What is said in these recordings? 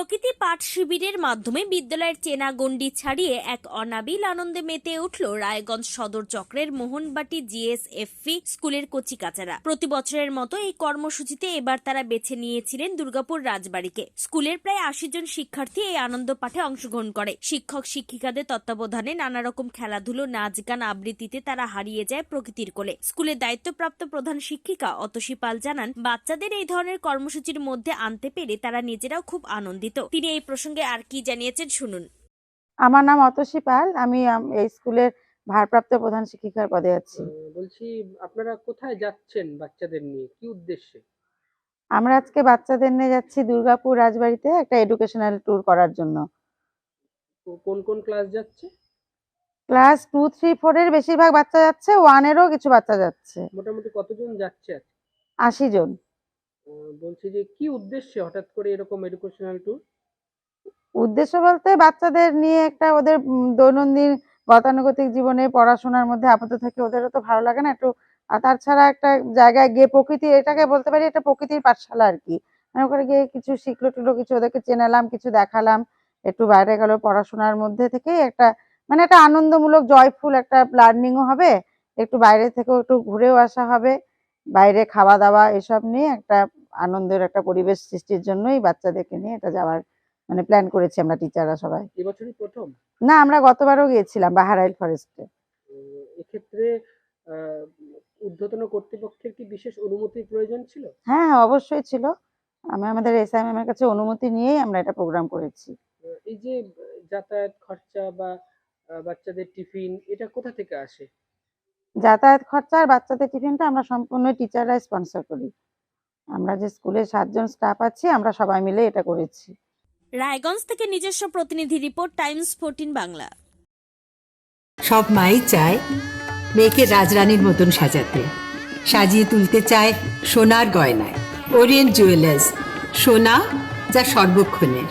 প্রকৃতি পাঠ শিবিরের মাধ্যমে বিদ্যালয়ের চেনা গণ্ডি ছাড়িয়ে এক অনাবিল আনন্দে মেতে উঠল রায়গঞ্জ সদর চক্রের মোহনবাটি জিএসএফভি স্কুলের কচিকাচারা। প্রতি বছরের মতো এই কর্মসূচিতে এবার তারা বেছে নিয়েছিলেন দুর্গাপুর রাজবাড়িকে। স্কুলের প্রায় ৮০ জন শিক্ষার্থী এই আনন্দ পাঠে অংশগ্রহণ করে। শিক্ষক শিক্ষিকাদের তত্ত্বাবধানে নানা রকম খেলাধুলো, নাচ গান, আবৃত্তিতে তারা হারিয়ে যায় প্রকৃতির কোলে। স্কুলের দায়িত্বপ্রাপ্ত প্রধান শিক্ষিকা অতসী পাল জানান, বাচ্চাদের এই ধরনের কর্মসূচির মধ্যে আনতে পেরে তারা নিজেরাও খুব আনন্দিত। তিনি এই প্রসঙ্গে আর কি জানিয়েছেন শুনুন। আমার নাম অতসী পাল, আমি এই স্কুলের ভারপ্রাপ্ত প্রধান শিক্ষিকার পদে আছি। বলছি, আপনারা কোথায় যাচ্ছেন বাচ্চাদের নিয়ে, কি উদ্দেশ্যে? আমরা আজকে বাচ্চাদের নিয়ে যাচ্ছি দুর্গাপুর রাজবাড়িতে একটা এডুকেশনাল ট্যুর করার জন্য। কোন কোন ক্লাস যাচ্ছে? ক্লাস 2, 3, 4 এর বেশিরভাগ বাচ্চা যাচ্ছে, 1 এরও কিছু বাচ্চা যাচ্ছে। মোটামুটি কতজন যাচ্ছে? 80 জন। বলছি যে কি উদ্দেশ্যে হঠাৎ করে এরকম এডুকেশনাল ট্যুর? উদ্দেশ্য বলতে বাচ্চাদের নিয়ে একটা ওদের দৈনন্দিন গতানুগতিক জীবনে পড়াশোনার মধ্যে আপাতত থেকে ওদেরও তো ভালো লাগে না একটু, আর তাছাড়া একটা জায়গায় গিয়ে প্রকৃতি, এটাকে বলতে পারি এটা প্রকৃতির পাঠশালা আর কি। ওখানে গিয়ে কিছু শিখলো টিখলো, কিছু ওদেরকে চেনালাম, কিছু দেখালাম, একটু বাইরে গেল, পড়াশোনার মধ্যে থেকেই একটা মানে একটা আনন্দমূলক জয়ফুল একটা লার্নিংও হবে, একটু বাইরে থেকেও একটু ঘুরেও আসা হবে, বাইরে খাওয়া দাওয়া এসব নিয়ে একটা আনন্দের একটা পরিবেশ সৃষ্টির জন্যই বাচ্চাদেরকে নিয়ে এটা যাওয়ার মানে প্ল্যান করেছি আমরা টিচাররা সবাই। এবছরই প্রথম? না, আমরা গতবারও গিয়েছিলাম বাহারাইল ফরেস্টে। এক্ষেত্রে ঊর্ধ্বতন কর্তৃপক্ষের কি বিশেষ অনুমতির প্রয়োজন ছিল? হ্যাঁ, অবশ্যই ছিল। আমাদের এসআই ম্যামের কাছে অনুমতি নিয়েই আমরা এটা প্রোগ্রাম করেছি। এই যে যাতায়াত খরচা বা বাচ্চাদের টিফিন, এটা কোথা থেকে আসে? যাতায়াত খরচা আর বাচ্চাদের টিফিনটা আমরা সম্পূর্ণ টিচাররাই স্পন্সর করি। আমরা যে স্কুলে 7 জন স্টাফ আছি, আমরা সবাই মিলে এটা করেছি। রায়গঞ্জ থেকে নিজস্ব প্রতিনিধি রিপোর্ট, টাইমস 14 বাংলা। সব মাই চায় মেয়েকে রাজরানীর মতন সাজাতে, সাজিয়ে তুলতে চায় সোনার গয়নায়। ওরিয়েন্ট জুয়েলার্স, সোনা যা সর্বক্ষণের।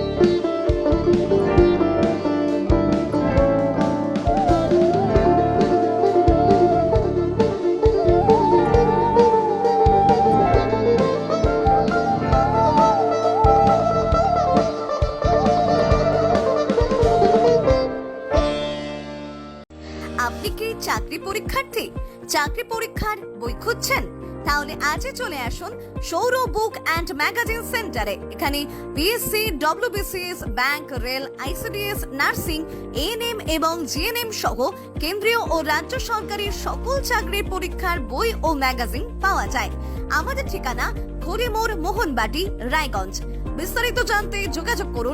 আপনি কি চাকরি পরীক্ষার্থী? চাকরি পরীক্ষার বই খুঁজছেন? তাহলে আজই চলে আসুন সৌরভ বুক অ্যান্ড ম্যাগাজিন সেন্টারে। এখানে BSc, WBCS, bank, rail, ICDS, nursing, ANM এবং জিএনএম সহ কেন্দ্রীয় ও রাজ্য সরকারি সকল চাকরির পরীক্ষার বই ও ম্যাগাজিন পাওয়া যায়। আমাদের ঠিকানা খড়িমোড়, মোহনবাটি, রায়গঞ্জ। বিস্তারিত জানতে যোগাযোগ করুন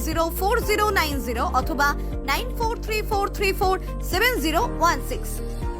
9002904090 অথবা 9434347016।